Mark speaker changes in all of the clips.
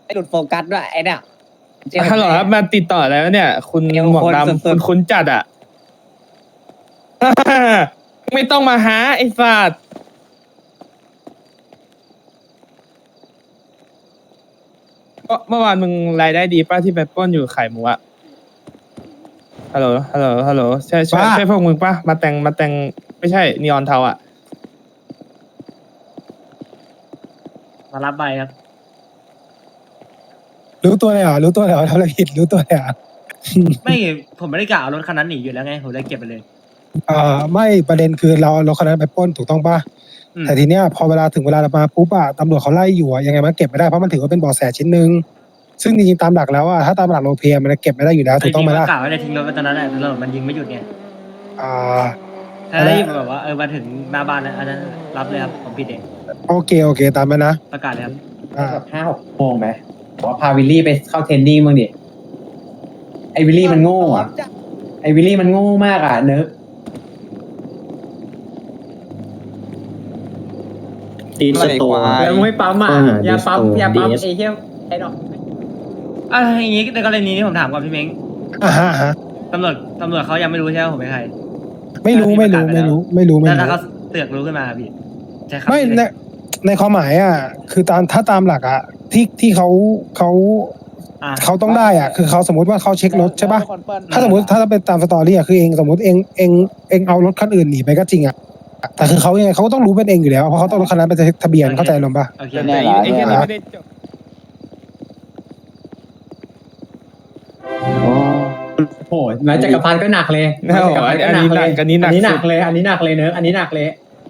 Speaker 1: หลุดโฟกัสด้วยไอ้เนี่ยเจมส์
Speaker 2: ฮัลโหลครับมาติดต่อแล้วเนี่ย คุณหมวกดำคุณจัดอ่ะ ไม่ต้องมาหาไอ้สัตว์เมื่อวานมึงรายได้ดีป้าที่ไปปล้นอยู่ไข่หมูอะฮัลโหลใช่พวกมึงป้ามาแต่งไม่ใช่นีออนเทาอะ
Speaker 3: มารับใบครับ
Speaker 4: รู้ตัวเลยเหรอรู้ตัวเลยเหรอทำอะไรผิดรู้ตัวเลยเหรอ
Speaker 3: ไม่ผมไม่ได้กะเอารถคันนั้นหนีอยู่แล้วไงผมเลยเก็บไปเลย
Speaker 4: ไม่ประเด็นคือเราคนนั้นไปปล้นถูกต้องป่ะ
Speaker 3: อืม
Speaker 4: แต่ทีเนี้ยพอเวลาถึงเวลาเรามาปุ๊บอะตำรวจเขาไล่อยู่อะยังไงมันเก็บไม่ได้เพราะมันถือว่าเป็นเบาะแสชิ้นหนึ่งซึ่งจริงๆตามหลักแล้วอะถ้าตามหลักโลเพียมันเก็บไม่ได้อยู่แล้วถูกต้องไหมล่ะ
Speaker 3: กะว่าจะทิ้งรถไว้ตอนนั้นแหละตำรวจมันยิงไม่หยุดไง
Speaker 4: อ่า
Speaker 3: ถ้าได้ยินแบบว่ามาถึงหน้าบ้านนะอันนั้นรับเลยครับผมผิดเอง
Speaker 4: โอเคตามนั้นนะ
Speaker 3: ประกาศเลยครับ
Speaker 1: แบบ5-6 โมงไหมบอกว่าพาวิลลี่ไปเข้าเทรนนิ่งบ้างดิไอวิลลี่มันโง่อะไอวิลลี่มันโง่มากอะเนอะ
Speaker 5: ตีนสโตร์
Speaker 1: แล้วไม่ปั๊มอ่ะอย่าปั๊มไอ้เหี้ยไอ้ดอก
Speaker 3: อย่างงี้ในกรณีนี้ผมถามก่อนพี่เม้ง
Speaker 4: ฮะ
Speaker 3: ตำรวจเขายังไม่รู้ใช่ไหมผมเป็นใคร
Speaker 4: ไม่รู้
Speaker 3: ถ้าเขาเตือกรู้ขึ้นมาพี่ใช่ครับ
Speaker 4: ไม่ในความหมายอะคือถ้าตามหลักอะที่เขาต้องได้อะคือเขาสมมติว่าเขาเช็ครถใช่ป่ะถ้าสมมติถ้าเป็นตามสตอรี่อะคือเองสมมติเองเอารถคันอื่นหนีไปก็จริงอะแต่คือเขายังไงเขาก็ต้องรู้เป็นเองอยู่แล้วเพราะเขาต้องรถคันนั้นเป็นทะเบียนเข้าใจลงป่ะ
Speaker 3: โอเค
Speaker 2: แต่ไอ้แค่นี้ไม่ได้จบ
Speaker 1: โอ้โหแม้จักรพันธ์ก็หนักเลย
Speaker 2: แน่นอนอันนี้หนัก
Speaker 1: อันนี้หนักเลยเนอะอันนี้หนักเลย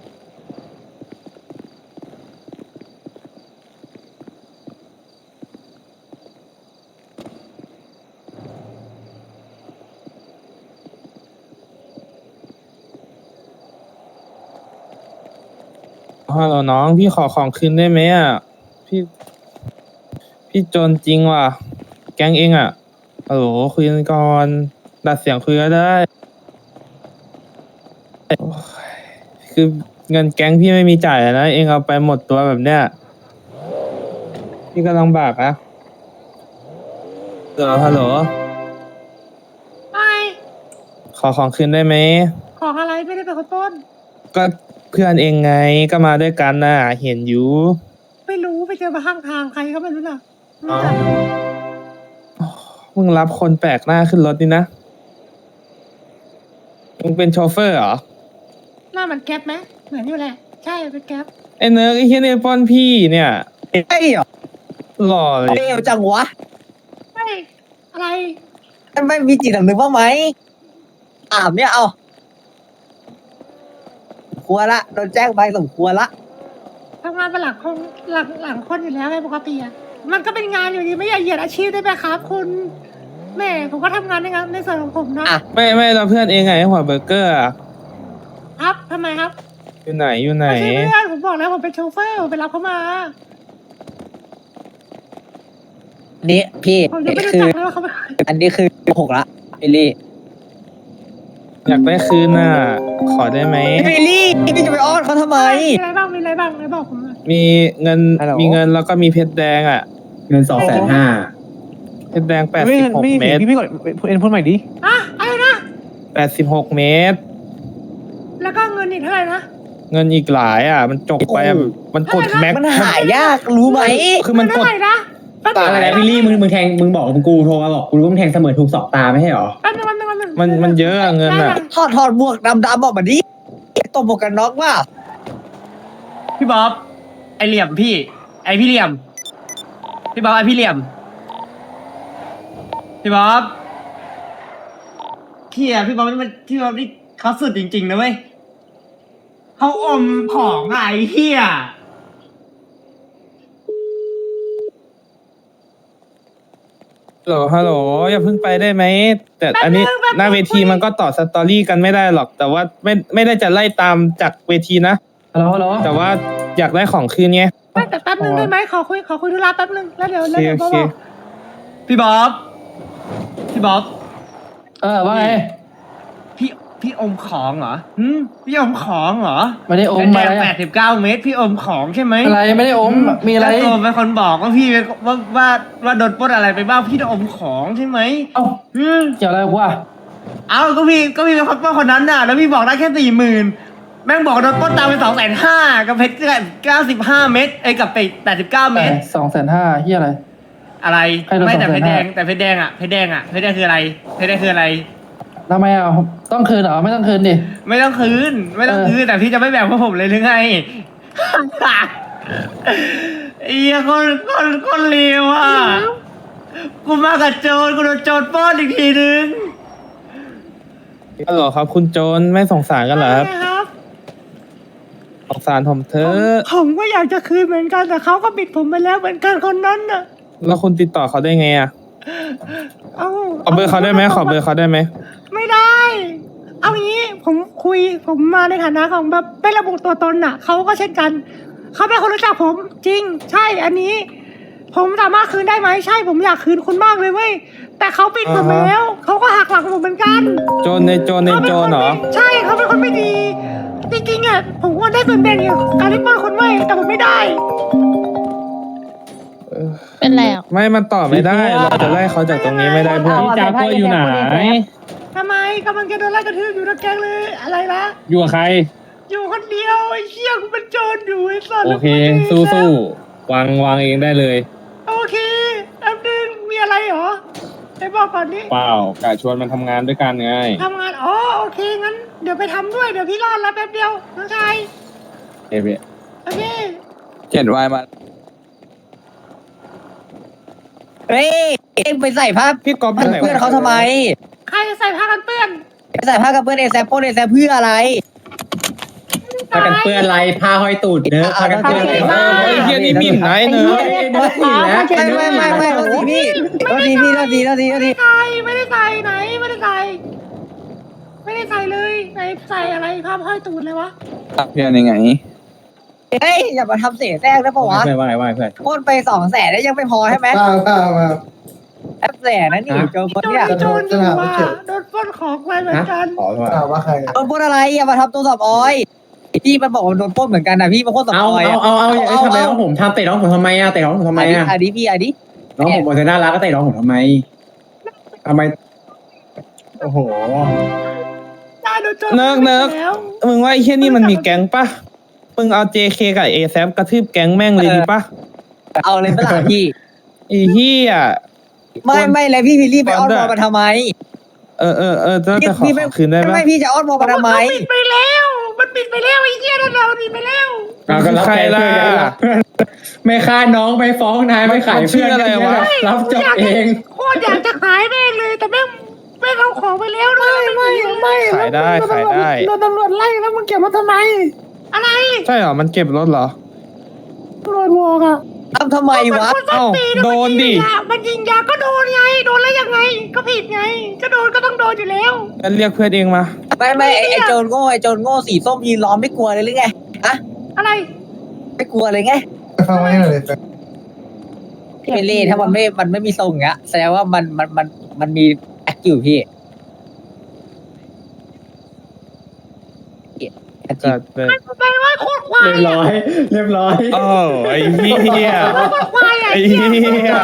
Speaker 2: ฮัลโหลน้องพี่ขอของคืนได้ไหมอ่ะพี่จนจริงว่ะแก๊งเองอ่ะฮัลโหลคุยกันก่อนดัดเสียงคุยก็ได้โอ้ยคือเงินแก๊งพี่ไม่มีจ่ายอะนะเองเอาไปหมดตัวแบบเนี้ยพี่ก็ลำบากนะฮัลโหล
Speaker 6: ไม่
Speaker 2: ขอของคืนได้ไหม
Speaker 6: ของอะไรไม่ได้เป็นคนต้น
Speaker 2: ก็เพื่อนเองไงก็มาด้วยกันน่ะเห็นอยู่
Speaker 6: ไม่รู้ไปเจอมาข้างทางใครก็ไม่รู้น่ะ
Speaker 2: อ๋อ มึงรับคนแปลกหน้าขึ้นรถนี่นะมึงเป็นโชเฟอร์เหรอ
Speaker 6: หน้ามันแก๊ปไหมเหมือนอยู่แหละ ใช่เป็นแก๊ป
Speaker 2: ไอ้เนิร์กไอ้เฮียเนี่ยป้อนพี่เนี่ย
Speaker 1: ไอ้เหรอ
Speaker 2: หล่อเลย
Speaker 1: เร็วจังวะ
Speaker 6: ไม่อะไร
Speaker 1: ไม่มีจิตสำนึกบ้างไหมเนี่ยเอาควรละโดนแจ้งไปสมควรละ
Speaker 6: ทำงานเป็นหลังคนอยู่แล้วไงปกติอ่ะมันก็เป็นงานอยู่ดีไม่อยากเหยียดอาชีพได้ไหมครับ คุณแม่ผมก็ทำงานในส่วนของผมนะ
Speaker 2: ไม่เราเพื่อนเองไงหัวเบอร์เกอร์อะ
Speaker 6: ครับทำไมครับ
Speaker 2: อยู่ไหน
Speaker 6: ไม่ใช่เพื่อนผมบอกแล้วผมเป็นโชเฟอร์ผมไปรับเขามา
Speaker 1: นี่พี่
Speaker 6: ผมยังไม่รู้
Speaker 1: คือ
Speaker 6: จักเลยว่าเขาเป็นใคร
Speaker 1: อันนี้คือ6ละวิลลี่
Speaker 2: อยากได้คืนน่ะ ขอได้ไหม
Speaker 1: วิลลี่พี่จะไปอ้อนเขาทำไม
Speaker 6: มีอะไรบ้างไหนบอกผมหน่อย
Speaker 2: มีเงิน
Speaker 1: ฮัลโหล
Speaker 2: มีเงินแล้วก็มีเพชรแดงอ่ะ
Speaker 1: เงิน250,000
Speaker 2: เพชรแดง86 เมตร
Speaker 5: พี่ก่อนเอ็นพูดใหม่ดิ
Speaker 6: อ่ะอะไรนะ
Speaker 2: 86 เมตร
Speaker 6: แล้วก็เงินอีกเท่าไหร่นะ
Speaker 2: เงินอีกหลายอ่ะ มันจกไปอะมันกดแม็ก
Speaker 1: มันหายากรู้ไหม
Speaker 2: คือมัน
Speaker 6: เท่าก
Speaker 2: ด
Speaker 6: ไหร่นะแป๊บนึง
Speaker 1: อะไรนะวิลลี่มึงแทงมึงบอกกูโทรมาบอกกูรู้มึงแทงเสมอถูก2 ตาไม่ใช่หรอ
Speaker 6: แป๊บนึง
Speaker 2: มันเยอะอะเงินอ่ะ
Speaker 1: ถอดหมวกดำๆออกมาดิตบหมวกกันน็อกว่า
Speaker 3: พี่บ๊อบไอเหลี่ยมพี่ ไอพี่เหลี่ยม พี่บ๊อบไอพี่เหลี่ยม พี่บ๊อบพี่บ๊อบนี่เขาสุดจริงๆนะเว้ยเขาอมของอะไอ้เหี้ย
Speaker 2: ฮัลโหลอย่าเพิ่งไปได้ไหม แต่อันนี้หน้าเวทีมันก็ต่อสตอรี่กันไม่ได้หรอก แต่ว่าไม่ได้จะไล่ตามจากเวทีนะ
Speaker 1: ฮัลโหล
Speaker 2: แต่ว่าอยากได้ของคืนไง
Speaker 6: ไม่แต่แป๊บนึงได้ไหมขอคุยธุระแป๊บนึงแล้วเดี๋ยว
Speaker 2: โอเค
Speaker 6: บอก
Speaker 3: พี่บ๊อบ
Speaker 1: ว่าไง
Speaker 3: พี่อมของเหรอพี่อมของเหรอ
Speaker 7: ไม่ได้อม
Speaker 3: แด
Speaker 7: อะไร
Speaker 3: ง
Speaker 7: อะ
Speaker 3: 89 เมตรพี่อมของใช่ไหม
Speaker 7: อะไรไม่ได้อมมีอะไร
Speaker 3: แล้วตัวเป็นคนบอกว่าพี่เป็นว่าโดนปล้นอะไรไปบ้างพี่อมของใช่ไหม
Speaker 7: เอ้า
Speaker 3: อืม
Speaker 7: เกี่ยวอะไรวะ
Speaker 3: เอาก็พี่เป็นคนปล้นคนนั้นน่ะแล้วพี่บอกได้แค่40,000แม่งบอกโดนปล้นตามไป250,000กับเพชร95 เมตรไอ้กับไป89 เมตร
Speaker 7: 250,000เฮียอะไร
Speaker 3: อะไร
Speaker 7: ให้โดน
Speaker 3: ไม่แต่เพชรแดง
Speaker 7: 250,000
Speaker 3: แต่เพชรแดงอ่ะเพชรแดงคืออะไรเพชรแดงคืออะไร
Speaker 7: ทำไมอ่ะต้องคืนเหรอไม่ต้องคืนดิ
Speaker 3: ไม่ต้องคืนแต่พี่จะไม่แบ่งพวกผมเลยหรือไง ไอ้เหี้ยคนเลวอ่ะกูมากับโจรกูโดนโจรปล้นอีกทีนึง
Speaker 2: ฮัลโหลครับ คุณโจรไม่สงสารกันเหรอครับ
Speaker 6: ครับ
Speaker 2: สงสารผมเถอะ
Speaker 6: ผมก็อยากจะคืนเหมือนกันแต่เขาก็บิดผมไปแล้วเหมือนกันคนนั้นน่ะ
Speaker 2: แล้วคุณติดต่อเขาได้ไงอ่ะ
Speaker 6: เอา
Speaker 2: ขอเบอร์เขาได้ไหมขอเบอร์เขาได้ไหม
Speaker 6: ไม่ได้ เอางี้ผมมาในฐานะของแบบไม่ระบุตัวตนน่ะเขาก็เช่นกันเขาเป็นคนรู้จักผมจริง ใช่อันนี้ ผมสามารถคืนได้ไหมใช่ผมอยากคืนคุณมากเลยเว้ยแต่เขาปิดผมไปแล้วเขาก็หักหลังผมเหมือนกัน
Speaker 2: โจรในโจรเหรอ
Speaker 6: ใช่เขาเป็นคนไม่ดี จริงๆอ่ะผมว่าได้ส่วนแบ่งอย่างการที่ปล้นคนไว้ยแต่ผมไม่ได้
Speaker 8: เป็นไรอ่ะ
Speaker 2: ไม่มันต่อไม่ได้ เราจะไล่เขาจากตรงนี้ไม่ได้เพื่อน
Speaker 8: พี่จากัวอยู่ไหน
Speaker 6: ทำไมกำลังจะโดนไล่กระทืบอยู่นะแกงเลยอะไรละ
Speaker 5: อยู่กับใคร
Speaker 6: อยู่คนเดียวไอ้เชี่ยกูเป็นโจรอยู่ไอ้สัตว์
Speaker 5: โอเค สู้ๆวางเองได้เลย
Speaker 6: โอเคแป๊บนึงมีอะไรเหรอไปบอกก่อนดิ
Speaker 5: เปล่ากะชวนมันทำงานด้วยกันไง
Speaker 6: ทำงานอ๋อโอเคงั้นเดี๋ยวไปทำด้วยเดี๋ยวพี่รอดแล้วแป๊บเดียวน้องชาย
Speaker 5: เอเว
Speaker 6: โอเค
Speaker 2: 7 วายมา
Speaker 9: เฮ้ยเอ็งไปใส่ผ้า
Speaker 2: พี่ก๊อฟ
Speaker 9: เพื่อนเขาทำไม
Speaker 6: ใครจะใส่ผ้ากันเปื้อน
Speaker 9: ไปใส่ผ้ากับเพื่อนเอแซปโปเอแซปเพื่ออะไร
Speaker 1: พากันเปื้อนไรผ้าห้อยตูดเนอะพากันเปื้อนไร
Speaker 2: ไอ้เฮียนี่หมิ่นนะไอ้เนอะ
Speaker 1: เนอะอีกแล้ว
Speaker 9: ไม่โทษทีพี่โทษทีพี่โทษทีโทษทีโทษที
Speaker 6: ใส่ไม่ได้ใส่ไหนไม่ได้ใส่ไม่ได้ใส่เลยไหนใส่อะไรภาพห้อยตูดเลยวะ
Speaker 2: เพื่อนยังไง
Speaker 9: เฮ้ยอย่ามาทำเสียแทรกได้ปะวะ
Speaker 1: เพื่อนว่าไงเพื่อน
Speaker 9: ปล้นไป200,000ได้ยังไม่พอใช่ไหมแอบแสนนั่นนี่โจรคนเนี่ย
Speaker 6: โจรอยู่ว่าโดนปล้นของไปเหมือนกัน
Speaker 1: ขอโทษ
Speaker 9: โดนปล้นอะไรอย่ามาทำตัวสอบออยพี่มันบอกว่าโดนปล้นเหมือนกันนะพี่มาปล้นสอบ
Speaker 1: เอา
Speaker 9: ออย
Speaker 1: ทำไมน้องผมทำเตะน้องผมทำไมอะเตะน้องผมทำไมอะ
Speaker 9: อันนี้พี่อันนี้
Speaker 1: น้องผมบอกจะน่ารักก็เตะน้องผมทำไมโอ้โห
Speaker 6: ได้โดนโจร
Speaker 2: เนิร์ก
Speaker 6: แล้ว
Speaker 2: มึงว่าไอ้เฮียนี่มันมีแก๊งปะมึงเอา JK กับ ASAP กระทืบแก๊งแม่งเลยดีปะ
Speaker 9: เอาเลยเปล่าพี่
Speaker 2: ไอ้เฮีย
Speaker 9: ไม่เลยพี่รีบไปอ้อนวอนมาทำไม
Speaker 2: จะขอคืนได้ปะ
Speaker 9: ไม่พี่จะอ้อนวอนมาทำไม
Speaker 6: มันปิดไปแล้วมันปิดไปแล้วไอ้เหี้ยนั่นเราปิดไปแล้ว
Speaker 2: ใครล่ะ
Speaker 1: ไม่ฆ่าน้องไม่ฟ้องนายไม่ขายเพื่อนรับจบเอง
Speaker 6: โคตรอยากจะขายแม่งเลยแต่แม่งเอาของไปแล้วด้วยไม่
Speaker 2: ขายได้ขายได้
Speaker 6: โดนตำรวจไล่แล้วมึงเก็บมาทำไม อะไร
Speaker 2: ใช่เหรอมันเก็บรถเหรอ
Speaker 6: ตำรวจบอกอ่ะ
Speaker 9: ทำไมวะ
Speaker 2: เอ้าโดนดิ
Speaker 6: มันยิงยาก็โดนไงโดนแล้วยังไง ก็ผิดไงก็โดนก็ต้องโดนอยู่แล้ว
Speaker 2: งั้นเรียกเพื่อนเองมา
Speaker 9: ไม่ไอโจรโง่สีส้มยืนล้อมไม่กลัวเลยหรือไงอะ
Speaker 6: อะไร
Speaker 9: ไม่กลัวเลยไงพี่เบลลี่ถ้ามันไม่มีทรงอย่างเงี้ยแสดงว่ามันมีแอคอยู่พี่
Speaker 2: จัดไป
Speaker 6: ไปว่าโคตรควาย
Speaker 1: เรียบร้อย
Speaker 2: โอ้ไอ้เหี้ย
Speaker 6: โคตรควายอ่ะ
Speaker 2: ไอ้เหี้ย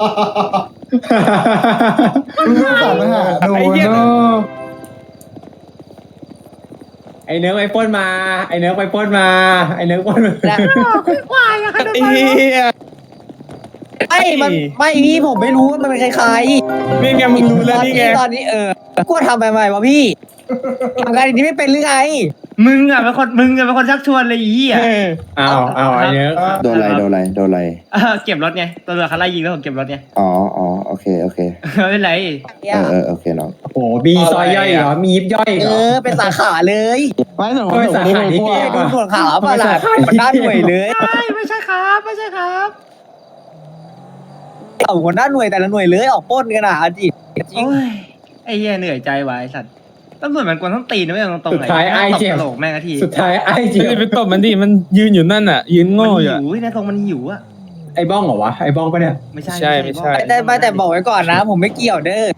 Speaker 1: ไอเนื้อไปปล้นมา ไอเนื้อไปปล้นมา ไอเนื้อปล้นมา
Speaker 6: โคตรควายอ่ะขนาด
Speaker 2: ไอ้
Speaker 6: นั้น
Speaker 2: เหี้ย
Speaker 9: ไม่พี่ผมไม่รู้ว่ามันเป็นใคร
Speaker 2: นี่ไงมึงรู้แล้วนี่ไง
Speaker 9: ตอนนี้กลัวทำไปไหมวะพี่ทำงานอย่างนี้ไม่เป็นหรือไง
Speaker 3: มึงอ่ะเป็นคนชักชวนเลยไอ้เหี้ย
Speaker 1: เอาไอเนื้อ
Speaker 10: โดนอะไร
Speaker 3: เก็บรถไงตำรวจเขาไล่ยิงแล้วผมเก็บรถไง
Speaker 10: อ๋อโอเค
Speaker 3: ไม่เป็นไร
Speaker 10: โอเคน้อง
Speaker 1: โอ้โหมีซอยย่อยเหรอ มียิบย่อยเหรอ
Speaker 9: เป็นสาขาเลย
Speaker 7: ไม่สน
Speaker 1: ไม่สาขาที่เกม
Speaker 9: ดูส่วนขาวป่ะล่ะมันด้านหน่วยเลย
Speaker 6: ไม่ใช่ครับไม่ใช่ครับ
Speaker 9: เอาหัวหน้าหน่วยแต่ละหน่วยเลยออกปล้นกันอ่ะจริง
Speaker 3: โอ้ยไอ้เหี้ยเหนื่อยใจว่ะไอ้สัตว์ตำรวจมันกวนต้องตีนะไม่ตรงตรง
Speaker 1: สุดท้ายไอเจ็บ
Speaker 3: โหลกแม่งที
Speaker 1: สุดท้ายไอเจ็
Speaker 2: ไม่
Speaker 1: บ
Speaker 2: ได้ไปตบมันดิมันยืนอยู่นั่นอ่ะ ยืนโง่อยู่
Speaker 3: หิ
Speaker 2: อะ
Speaker 3: วนะตรงมันหิวอ่ะ
Speaker 1: ไอบ้องเหรอวะ ไอบ้องปะเนี่ย
Speaker 3: ไม่ใช่
Speaker 2: ไม่ใช่
Speaker 9: แต่บอกไว้ก่อนนะ ผมไม่เกี่ยวเด้อ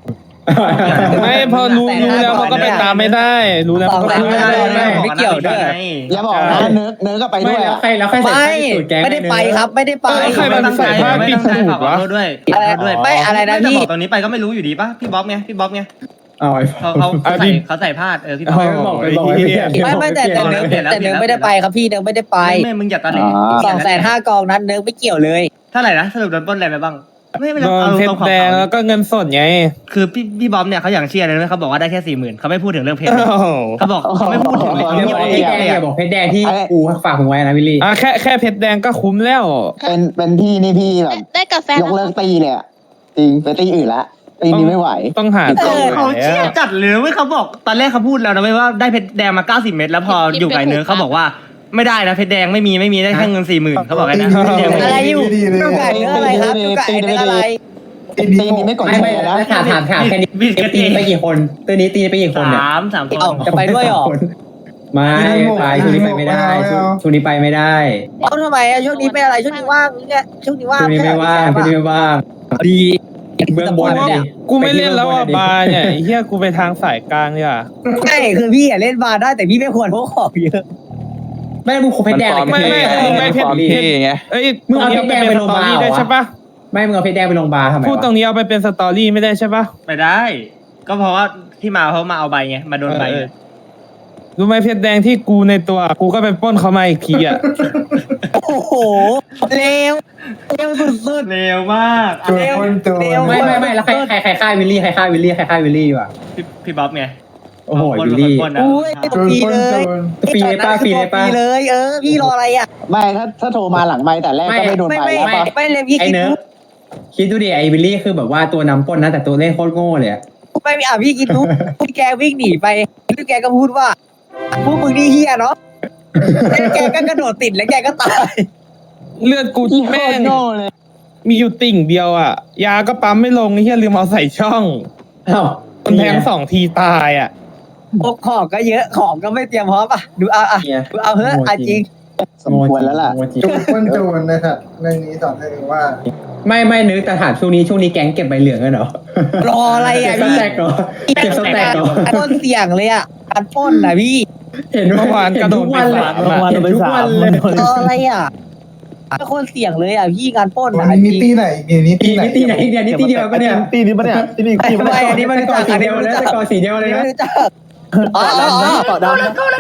Speaker 2: ไม่พอรู้แล้วเขาก็ไปตามไม่ได้ รู้แล้วเขาก็ไปตามไม่ได้
Speaker 3: ไม่เกี่ยวด้วย
Speaker 10: อย่าบอกนะเนื้อก็ไปด้วยอะ
Speaker 1: แล้วใครใส่สูตรแก๊ง
Speaker 9: ไม่ได้ไปครับไม่ได้ไป
Speaker 2: ใครมันใส่ผ้าปิดสูตรวะ
Speaker 3: ด้วย
Speaker 9: ด้วยไม่อะไรนะพี่
Speaker 3: บอกตรงนี้ไปก็ไม่รู้อยู่ดีป่ะพี่บ๊อบไงพี่บ๊อบไง
Speaker 1: เอาไอ้
Speaker 3: เขาใส่พลาดพี่บ๊อบ
Speaker 1: บอกไปบอกไป
Speaker 9: ไม่แต่เนื้อไม่ได้ไปครับพี่เนื้อไม่ได้ไป
Speaker 3: ไม่มึงอย่าตะเล
Speaker 9: 250,000 กองนั้นเนื้อไม่เกี่ยวเลย
Speaker 3: เท่าไหร่นะสรุปโดนปล้นอะไรไปบ้างไม่
Speaker 2: โดน
Speaker 3: เอา
Speaker 2: เพช
Speaker 3: ตร
Speaker 2: รง
Speaker 3: ของ
Speaker 2: แดงแล้วก็เงินสดไง
Speaker 3: คือพี่บ๊อบเนี่ยเขาอย่างเชียร์เลยนะเขาบอกว่าได้แค่40,000เขาไม่พูดถึงเรื่องเพชร
Speaker 2: โอ้โห
Speaker 3: เขาบอกเขาไม่พูดถึงเลย
Speaker 1: เดี๋ยวบอกเพชรแดงอย่าบอกเพชรแดงที่กูฝากมึงไว้นะวิลลี่
Speaker 2: แค่เพชรแดงก็คุ้มแล้ว
Speaker 10: เป็นพี่นี่พี่แบบ
Speaker 8: ได้กาแฟ
Speaker 10: ยกเลิกตีเลยอะจริงไปตีอื่นละตีนี้ไม่ไหว
Speaker 2: ต้องหา
Speaker 3: เขาเชี่ยจัดเลยเว้ยเขาบอกตอนแรกเขาพูดแล้วนะเว้ยว่าได้เพชรแดงมา90 เม็ดแล้วพออยู่กับเนื้อเขาบอกว่าไม่ได้นะเพชรแดงไม่มีได้แค่เงิน40,000เขาบอกไงนะ
Speaker 9: อะไรอยู่ดูไก่เนื้ออะไรครับดูไก่เนื้ออะไร
Speaker 10: ตีนี้ไม่กด
Speaker 1: ไม่
Speaker 10: แช
Speaker 1: ไม่
Speaker 10: ร์นะ
Speaker 1: ถามแค่นี้ตีไปกี่คนตัวนี้ตีไปกี่คนเนี่ย
Speaker 3: สามคน
Speaker 9: จะไปด้วยหรอ
Speaker 1: ไม่ไปช่วงนี้ไปไม่ได้ช่วงนี้ไปไม่ได้
Speaker 9: เอาทำไมอะช่วงนี้เป็นอะไรช่วงนี้ว่างเนี่ยช่วงนี้ว่าง
Speaker 1: ช่วงนี้ไม่ว่างช่วงนี้ไม่ว่าง
Speaker 9: ดี
Speaker 1: เบื้องบนเนี่ย
Speaker 2: กูไม่เล่นแล้วอ่ะบาร์เนี่ยไอ้เฮียกูไปทางสายกลางเนี่ย
Speaker 9: ใช่คือพี่อะเล่นบาร์ได้แต่พี่ไม่ควรพกของเยอะ
Speaker 1: ไม่มึงเพชรแดง
Speaker 2: ไม่เพชรเอ้ย
Speaker 1: มึงเอาเพชรแดงไปลงบาร์
Speaker 2: ได้ใช่ปะ
Speaker 1: ไม่มึงเอาเพชรแดงไปลงบาร์ทำไม
Speaker 2: พูดตรงนี้เอาไปเป็นสตอรี่ไม่ได้ใช่ปะ
Speaker 3: ไม่ได้ ก็เพราะว่าที่มาเขามาเอาใบไงมาโดนใบ
Speaker 2: รู้ไหมเพชรแดงที่กูในตัวกูก็ไปปล้นเขามาอีกทีอ่ะ
Speaker 9: โอ้โหเร็วสุด
Speaker 3: เร็วมาก
Speaker 9: ๆเร็ว
Speaker 1: ไม่แล้วใครฆ่าวิลลี่ใครฆ่าวิลลี่ว่ะ
Speaker 3: พี่บ๊อบไง
Speaker 1: โอ้โหวิลลี่
Speaker 9: อุ้ยฟรีเลย
Speaker 1: ฟรีเลยป้าฟรีเลยป้า
Speaker 9: เลยพี่รออะไรอ่ะ
Speaker 10: ไม่ถ้าโทรมาหลังไม่แต่แรกก็ไม่โดนไปแล้วปะ
Speaker 9: ไม่เลยพี่
Speaker 1: ไอ้เนิร์ฟคิดดูดิไอ้วิลลี่คือแบบว่าตัวนำปล้นนะแต่ตัวเล่นโคตรโง่เลยอะ
Speaker 9: ไม่มีพี่คิดดูพี่แกวิ่งหนีไปพี่แกก็พูดว่าพวกมึงนี่เฮียเนาะแล้วแกก็กระโดดติดแล้วแกก็ตาย
Speaker 2: เลือดกูแม่งมีอยู่ติ่งเดียวอ่ะ ยาก็ปั๊มไม่ลงไอ้เฮียลืมเอาใส่ช่อง
Speaker 1: อ้าว
Speaker 2: มันแทง2 ทีตายอ่ะ
Speaker 9: พวกของก็เยอะของก็ไม่เตรียมพร้อมอ่ะดูเอาดูเอาเฮ้ยจริง
Speaker 10: สมควรแล้วล่ะ
Speaker 11: จูนนะครับเรื่องนี้สอนให้รู้ว่า
Speaker 1: ไม่นึกแต่ถามช่วงนี้แก๊งเก็บใบเหลืองกันเหรอ
Speaker 9: รออะไรอ่ะ
Speaker 1: เก็บส
Speaker 9: พี่
Speaker 1: แต็กเหรอเก็บสแต็กเหรอ
Speaker 9: ต้นเสี่ยงเลยอ่ะการปล้นนะพี่
Speaker 1: เห็น
Speaker 2: เมื่อวานกระโดด
Speaker 1: ทุก
Speaker 2: ไป
Speaker 1: วันเลย
Speaker 2: 3
Speaker 1: เห็นทุกวันเลย
Speaker 9: รออะไรอ่ะเป็นคนเสี่ยงเลยอ่ะพี่การปล้น
Speaker 11: วัน
Speaker 9: นะ
Speaker 11: นี้นิตี้ไหนนี่
Speaker 1: ตีไหนตีเดียวปะเนี่ย
Speaker 10: ตีนี้ปะเนี่ยตีนี้
Speaker 9: ไม่อันนี้ไม่รู้จักอันนี้ไม่รู้จัก
Speaker 1: ก่อสีเดียวเลย
Speaker 9: ไม่
Speaker 1: นะ
Speaker 9: รู้จักอ๋อ
Speaker 10: ต่อดำ
Speaker 6: let's go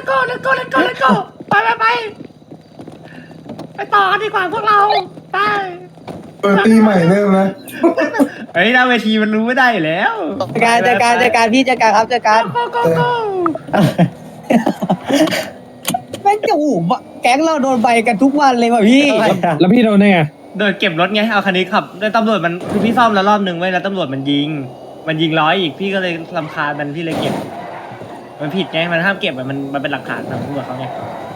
Speaker 6: ไปต่อกันดีกว่าพวกเราไป
Speaker 11: เปิดตีใหม่เริ่มนะ
Speaker 3: เฮ้ยหน้าเวทีมันรู้ไม่ได้อยู่แล้ว
Speaker 9: จัดการพี่จัดการครับจัดการ
Speaker 6: go
Speaker 9: แม่งจะหูแก๊งเราโดนใบกันทุกวันเลยว่ะพี่
Speaker 2: แล้วพี่โดนได้ไง
Speaker 3: โดนเก็บรถไงเอาคันนี้ขับแล้วตำรวจมันคือพี่ซ่อมแล้วรอบนึงไว้แล้วตำรวจมันยิง100อีกพี่ก็เลยรำคาญมันพี่เลยเก็บมันผิดไงมันห้ามเก็บมันเป็นหลักฐานของตำรวจเขาไง